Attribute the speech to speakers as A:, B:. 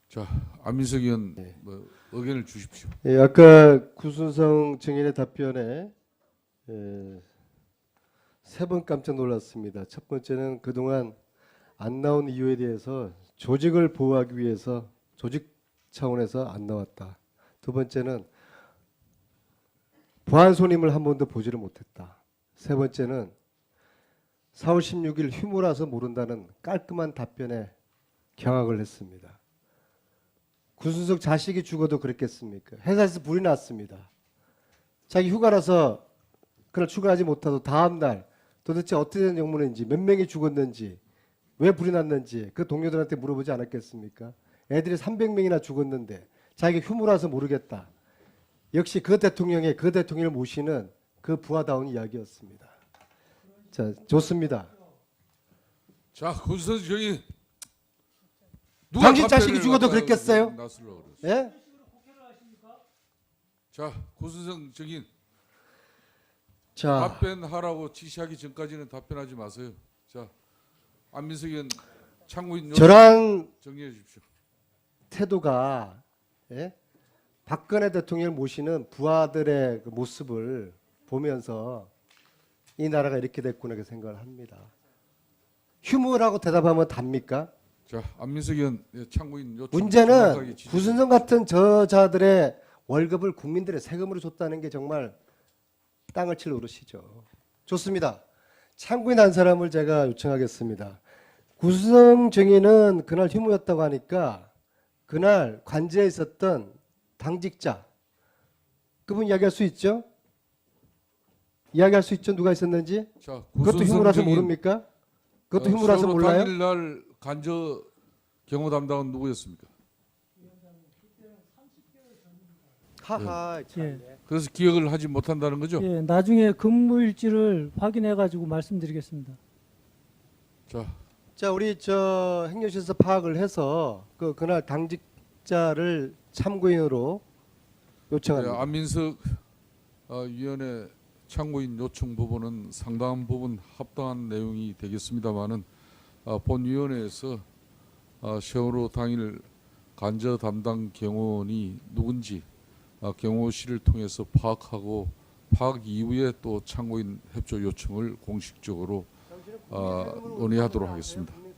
A: 자, 안민석 의원
B: 네.
A: 의견을 주십시오.
B: 예, 아까 구순성 증인의 답변에 세 번 깜짝 놀랐습니다. 첫 번째는 그동안 안 나온 이유에 대해서 조직을 보호하기 위해서 조직 차원에서 안 나왔다. 두 번째는 보안 손님을 한 번도 보지를 못했다. 세 번째는 4월 16일 휴무라서 모른다는 깔끔한 답변에 경악을 했습니다. 구순석 자식이 죽어도 그랬겠습니까? 회사에서 불이 났습니다. 자기 휴가라서 그날 출근하지 못하고 다음 날 도대체 어떻게 된 영문인지 몇 명이 죽었는지 왜 불이 났는지 그 동료들한테 물어보지 않았겠습니까? 애들이 300명이나 죽었는데 자기가 휴무라서 모르겠다. 역시 그 대통령을 모시는 그 부하다운 이야기였습니다. 자, 좋습니다.
A: 자, 구순석 증인
B: 당신 자식이 죽어도 그랬겠어요? 예?
A: 자, 구순석 증인
B: 자,
A: 답변하라고 지시하기 전까지는 답변하지 마세요. 자, 안민석 의원 참고인
B: 저랑
A: 정리해 주십시오.
B: 태도가 예? 박근혜 대통령을 모시는 부하들의 그 모습을 보면서 이 나라가 이렇게 됐구나 그 생각을 합니다. 휴무라고 대답하면 답니까?
A: 자, 안민석 의원 참고인 요청
B: 문제는
A: 정확하게 지시해
B: 구순성 같은 저자들의 월급을 국민들의 세금으로 줬다는 게 정말 땅을 칠 노릇이죠. 좋습니다. 참고인 한 사람을 제가 요청하겠습니다. 구순성 증인은 그날 휴무였다고 하니까 그날 관제에 있었던 당직자 그분 이야기할 수 있죠? 이야기할 수 있죠? 누가 있었는지?
A: 자,
B: 그것도 휴무라서 모릅니까? 그것도 휴무라서 몰라요?
A: 당일날 간저 경호 담당은 누구였습니까?
B: 하하. 참.
C: 예.
A: 그래서 기억을 하지 못한다는 거죠?
C: 예, 나중에 근무일지를 확인해 가지고 말씀드리겠습니다.
A: 자,
B: 우리 저 행정실에서 파악을 해서 그날 당직자를 참고인으로 요청합니다.
A: 안민석 위원회 참고인 요청 부분은 상당한 부분 합당한 내용이 되겠습니다만은 본위원회에서 세월호 당일 간저 담당 경호원이 누군지 경호실을 통해서 파악하고 파악 이후에 또 참고인 협조 요청을 공식적으로 논의하도록 하겠습니다.